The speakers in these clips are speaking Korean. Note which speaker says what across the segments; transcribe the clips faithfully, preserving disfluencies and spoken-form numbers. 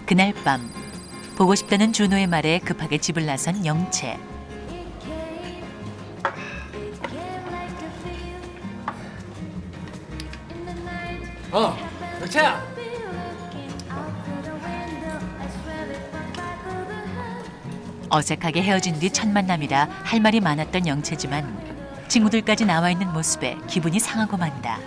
Speaker 1: 그날 밤 보고 싶다는 준호의 말에 급하게 집을 나선 영채.
Speaker 2: 어, 영채야.
Speaker 1: 어색하게 헤어진 뒤 첫 만남이라 할 말이 많았던 영채지만 친구들까지 나와 있는 모습에 기분이 상하고 만다.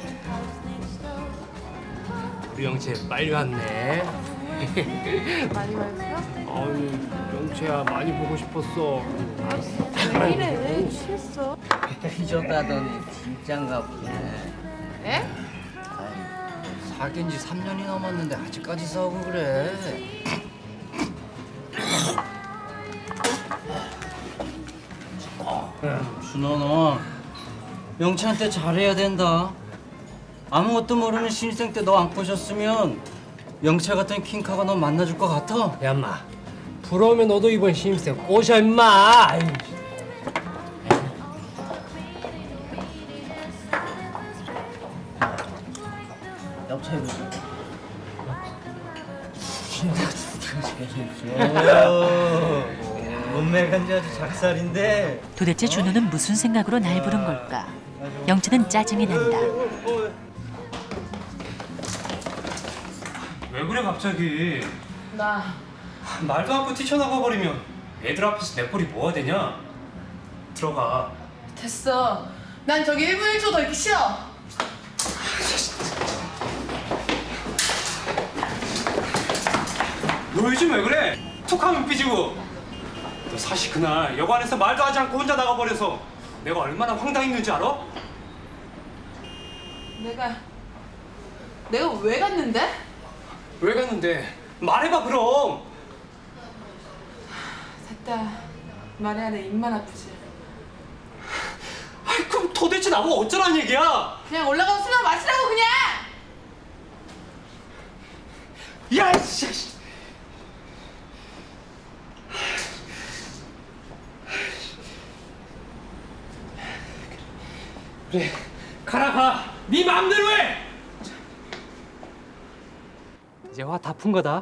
Speaker 2: 우리 영채 빨리 왔네.
Speaker 3: 많이 왔어?
Speaker 2: 아유, 영채야 많이 보고 싶었어.
Speaker 3: 왜 이래? 취했어?
Speaker 4: 삐졌다더니 진짠가 보네.
Speaker 3: 에?
Speaker 4: 아이, 사귄 지 삼 년이 넘었는데 아직까지 싸우고 그래. 준호 너 영채한테 잘해야 된다. 아무것도 모르는 신입생 때 너 안 꼬셨으면 영채 같은 킹카가 너 만나줄 것 같아?
Speaker 2: 야, 인마. 부러우면 너도 이번 신입생 꼬셔, 인마. 아이.
Speaker 4: 옆차 해보자. 몸매 간지 아주 작살인데.
Speaker 1: 도대체 준호는 무슨 생각으로 날 부른 걸까? 영채는 짜증이 난다.
Speaker 5: 왜 그래 갑자기?
Speaker 3: 나
Speaker 5: 말도 않고 뛰쳐나가 버리면 애들 앞에서 내 꼴이 뭐가 되냐? 들어가.
Speaker 3: 됐어. 난 저기 일 분 일 초 더 있기 싫어.
Speaker 5: 너 요즘 왜 그래? 툭하면 삐지고. 너 사실 그날 여관에서 말도 하지 않고 혼자 나가버려서 내가 얼마나 황당했는지 알아?
Speaker 3: 내가 내가 왜 갔는데?
Speaker 5: 왜 갔는데? 말해봐 그럼.
Speaker 3: 됐다. 말해 안 해. 입만 아프지.
Speaker 5: 아이 그럼 도대체 나보고 어쩌란 얘기야?
Speaker 3: 그냥 올라가서 술만 마시라고 그냥.
Speaker 5: 야 이씨. 그래 가라 가. 네 마음대로 해.
Speaker 2: 이제 화 다 푼 거다.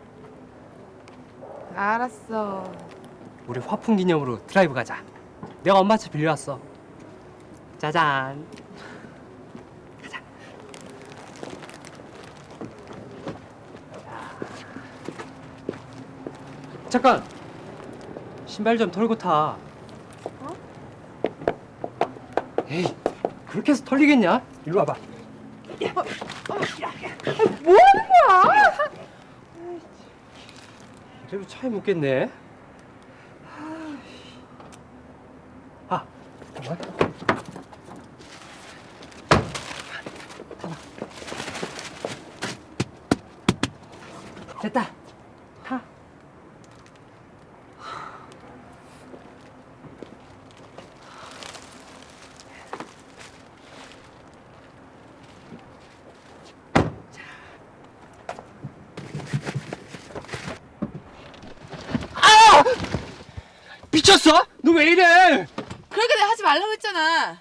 Speaker 3: 알았어.
Speaker 2: 우리 화풍 기념으로 드라이브 가자. 내가 엄마 차 빌려왔어. 짜잔. 가자. 잠깐. 신발 좀 털고 타.
Speaker 3: 어?
Speaker 2: 에이, 그렇게 해서 털리겠냐? 일로 와봐.
Speaker 3: 뭐 하는 거야?
Speaker 2: 그래도 차에 묻겠네. 아, 잠깐만. 타봐. 됐다. 타. 미쳤어? 너 왜 이래?
Speaker 3: 그러니까 내가 하지 말라고 했잖아.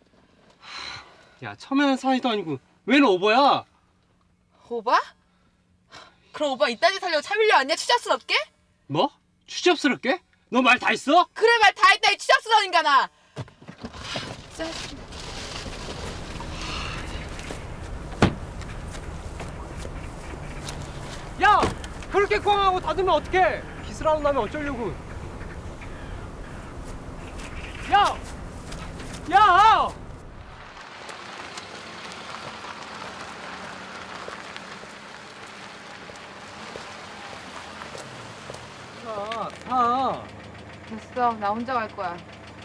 Speaker 2: 야, 처음에는 사이도 아니고 웬 오버야?
Speaker 3: 오바? 그럼 오빠 이딴 짓 하려고 차 빌려왔냐? 추잡스럽게?
Speaker 2: 뭐? 추잡스럽게? 너 말 다 했어?
Speaker 3: 그래 말 다 했다 이 추잡스러운 인간아. 짜증.
Speaker 2: 야! 그렇게 꽝하고 닫으면 어떡해? 기스라고 나면 어쩌려고? 야! 야! 타, 타.
Speaker 3: 됐어. 나 혼자 갈 거야.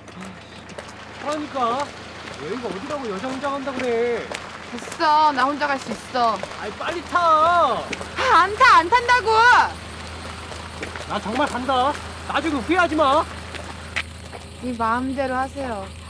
Speaker 2: 그러니까 여기가 어디라고 여자 혼자 간다 그래.
Speaker 3: 됐어. 나 혼자 갈 수 있어.
Speaker 2: 아이 빨리 타.
Speaker 3: 아, 안 타, 안 탄다고!
Speaker 2: 나 정말 간다. 나중에 후회하지 마.
Speaker 3: 네 마음대로 하세요.